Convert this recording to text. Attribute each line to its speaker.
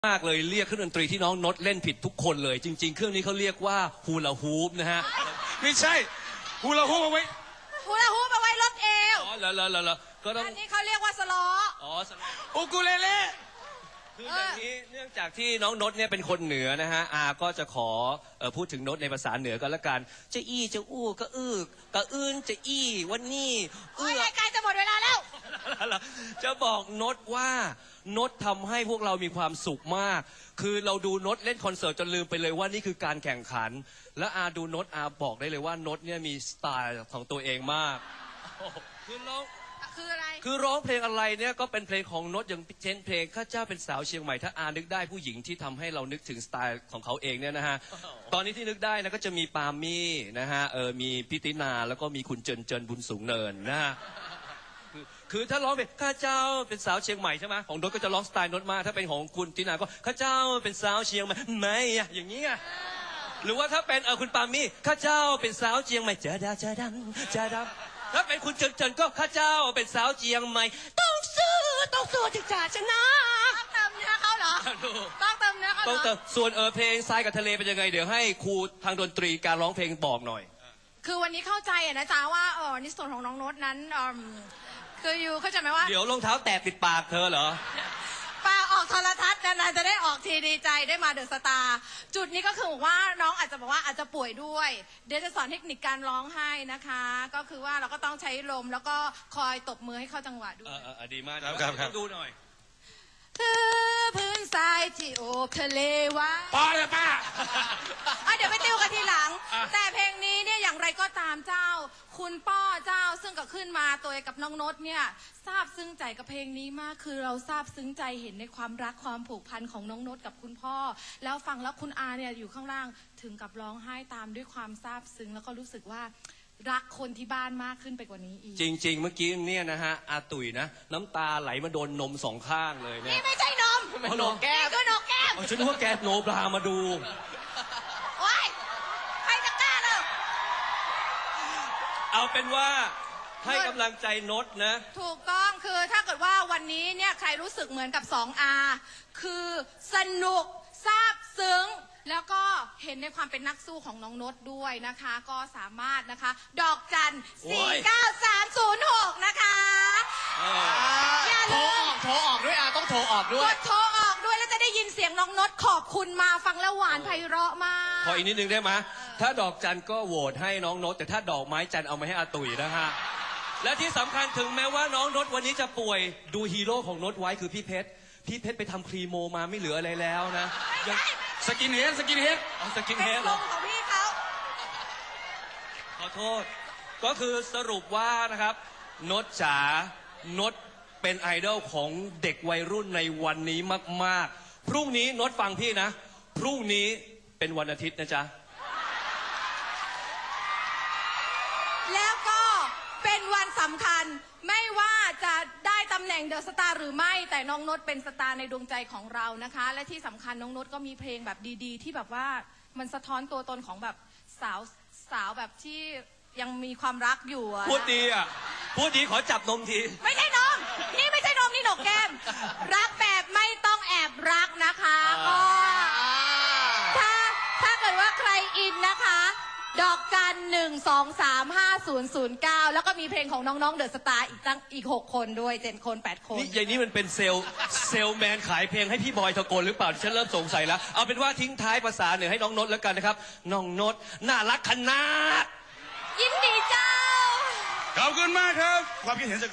Speaker 1: มากเลยเรียกเครื่องดนตรีที่น้องนดเล่นผิดทุกคนเลยจริงๆเครื่องนี้เขาเรียกว่าฮูลาฮูปนะฮะ
Speaker 2: ไม่ใช่ฮูลาฮูปเอาไว้
Speaker 3: ฮูลาฮูปเอาไว้ลดเอว
Speaker 1: อ๋อแล้วก็ต้อง
Speaker 3: อันนี้เขาเรียกว่าสล้อ
Speaker 1: อ๋อสล้อ
Speaker 2: อูกูเลเล่
Speaker 1: คืออย่างนี้เนื่องจากที่น้องนดเนี่ยเป็นคนเหนือนะฮะก็จะขอพูดถึงนดในภาษาเหนือกันละกันจะอี้จะอู้ก็อื้อกะอื้นจะอี้วันนี้
Speaker 3: รายการจะหมดเวลาแล้ว
Speaker 1: จะบอกนดว่านดทำให้พวกเรามีความสุขมากคือเราดูนดเล่นคอนเสิร์ตจนลืมไปเลยว่านี่คือการแข่งขันและดูนดบอกได้เลยว่านดเนี่ยมีสไตล์ของตัวเองมากคือร้อง
Speaker 3: คืออะไร
Speaker 1: คือร้องเพลงอะไรเนี่ยก็เป็นเพลงของนดอย่างเช่นเพลงข้าเจ้าเป็นสาวเชียงใหม่ถ้านึกได้ผู้หญิงที่ทำให้เรานึกถึงสไตล์ของเขาเองเนี่ยนะฮะตอนนี้ที่นึกได้นะก็จะมีปามี่นะฮะมีพิตินาแล้วก็มีคุณเจินบุญสูงเนินนะฮะคือถ้าร้องเป็นข้าเจ้าเป็นสาวเชียงใหม่ใช่ไหมของนดก็จะร้องสไตล์นดมากถ้าเป็นของคุณตินาก็ข้าเจ้าเป็นสาวเชียงใหม่ไม่อะอย่างนี้อะหรือว่าถ้าเป็นคุณปามี่ข้าเจ้าเป็นสาวเชียงใหม่เจดาถ้าเป็นคุณเจินก็ข้าเจ้าเป็นสาวเชียงใหม่ต้องสู้ถึงจะชนะ
Speaker 3: ต้องเติมเนื้อเขาเหรอต้องเติมเนื้อเขา
Speaker 1: ต้องเติมส่วนเพลงทรายกับทะเลเป็นยังไงเดี๋ยวให้ครูทางดนตรีการร้องเพลงบอกหน่อย
Speaker 3: คือวันนี้เข้าใจนะจ๊ะว่าในส่วนของน้องโน้ตนั้นคืออยู่เข้าใจไหมว่า
Speaker 1: เดี๋ยวรองเท้าแตะปิดปากเธอเหรอ
Speaker 3: ปาออกโทรทัศน์นานๆจะได้ออกทีดีใจได้มาเดอะสตาร์จุดนี้ก็คือว่าน้องอาจจะบอกว่าอาจจะป่วยด้วยเดี๋ยวจะสอนเทคนิคการร้องให้นะคะก็คือว่าเราก็ต้องใช้ลมแล้วก็คอยตบมือให้เข้าจังหวะด้วย
Speaker 1: ดีมากครับดูหน่อย
Speaker 3: พื้นทรายที่โอบทะเลว่า
Speaker 2: ป้าเลยป้า
Speaker 3: เดี๋ยวไปติวกันทีหลังแต่เพลงนี้เนี่ยอย่างไรก็ตามเจ้าคุณป้อเจ้าซึ่งก็ขึ้นมาตัวกับน้องนดเนี่ยซาบซึ้งใจกับเพลงนี้มากคือเราซาบซึ้งใจเห็นในความรักความผูกพันของน้องนดกับคุณพ่อแล้วฟังแล้วคุณอาเนี่ยอยู่ข้างล่างถึงกับร้องไห้ตามด้วยความซาบซึ้งแล้วก็รู้สึกว่ารักคนที่บ้านมากขึ้นไปกว่านี้อีก
Speaker 1: จริงๆเมื่อกี้เนี่ยนะฮะตุ๋ยนะน้ำตาไหลมาโดนนมสองข้างเลยเนี่ย
Speaker 3: นี่ไม่ใช่นม
Speaker 1: นมแก้ม
Speaker 3: ก็นมแก้ม
Speaker 1: ฉันนึกว่าแกโนบรามาดู
Speaker 3: โอ๊ยใครจะกล้าเลย
Speaker 1: เอาเป็นว่าให้กำลังใจนดนะ
Speaker 3: ถูกต้องคือถ้าเกิดว่าวันนี้เนี่ยใครรู้สึกเหมือนกับ2Rคือสนุกซาบซึ้งแล้วก็เห็นในความเป็นนักสู้ของน้องนดด้วยนะคะก็สามารถนะคะดอกจัน49306นะคะ
Speaker 2: อย่าลืมโทรออกด้วยต้องโทรออกด้วย
Speaker 3: กดโทรออกด้วยแล้วจะได้ยินเสียงน้องนดขอบคุณมาฟังแล้วหวานไพเราะมาก
Speaker 1: ขออีกนิดนึงได้ไหมถ้าดอกจันก็โหวตให้น้องนดแต่ถ้าดอกไม้จันเอามาให้ตุ๋ยนะฮะและที่สำคัญถึงแม้ว่าน้องนดวันนี้จะป่วยดูฮีโร่ของนดไว้คือพี่เพชรไปทำครีโมมาไม่เหลืออะไรแล้วนะ
Speaker 2: สกินเฮด
Speaker 1: สกินเฮด
Speaker 3: เหรอของพี่เขา
Speaker 1: ขอโทษก็คือสรุปว่านะครับนดจ๋านดเป็นไอดอลของเด็กวัยรุ่นในวันนี้มากๆพรุ่งนี้นดฟังพี่นะพรุ่งนี้เป็นวันอาทิตย์นะจ๊ะ
Speaker 3: แล้วก็เป็นวันสำคัญไม่ว่าจะได้ตำแหน่งเดอะสตาร์หรือไม่แต่น้องนดเป็นสตาร์ในดวงใจของเรานะคะและที่สำคัญน้องนดก็มีเพลงแบบดีๆที่แบบว่ามันสะท้อนตัวตนของแบบสาวแบบที่ยังมีความรักอยู่
Speaker 1: พูดดีพูดดีขอจับนมที
Speaker 3: ไม่ใช่นมนี่ไม่ใช่นมนี่หนกแก้มรักแบบไม่ต้องแอบรักนะคะก็ถ้าเกิดว่าใครอินนะคะดอกจัน1235009แล้วก็มีเพลงของน้องๆเดอะสตาร์อีก6คนด้วย7 คน8 คน
Speaker 1: นี่อย่างนี้มันเป็นเซลแมนขายเพลงให้พี่บอยทะโกนหรือเปล่าฉันเริ่มสงสัยแล้วเอาเป็นว่าทิ้งท้ายภาษาเหนือให้น้องนดแล้วกันนะครับน้องนดน่ารักขนาด
Speaker 3: ยินดีเจ้า
Speaker 2: ขอบคุณมากครับความคิดเห็น